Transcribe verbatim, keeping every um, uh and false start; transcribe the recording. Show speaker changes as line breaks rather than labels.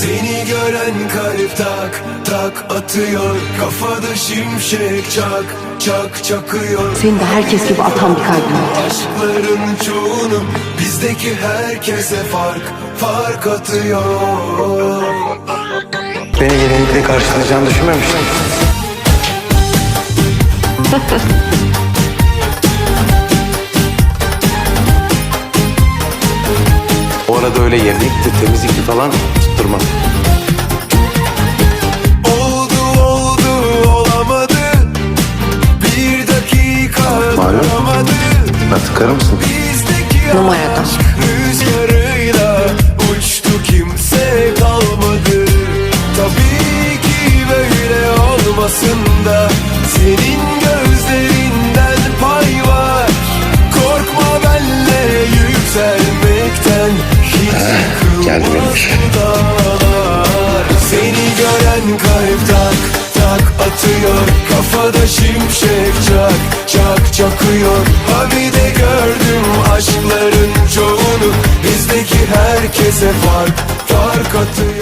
Seni gören kalp tak tak atıyor, kafada şimşek çak çak çakıyor.
Senin de herkes gibi atan bir kalbin var.
Aşkların çoğunu bizdeki herkese fark fark atıyor.
Beni gelinlikle karşılayacağını düşünmemiştim. O arada öyle yemekti, temizlikti falan tutturmaz.
Oldu oldu olamadı, bir dakika duramadı.
Ben tıkarır mısın?
Bizdeki
Numaradan.
aşk rüzgarıyla uçtu, kimse kalmadı. Tabii ki böyle olmasın da senin gözlerinden pay var. Korkma benle yükselmekten, hiç
geldi benim
yıkılmaz
iş.
bu dağlar. Seni gören kalp tak tak atıyor, kafada şimşek çak çak çakıyor. Ha bir de gördüm aşkların çoğunu bizdeki herkese fark fark atıyor.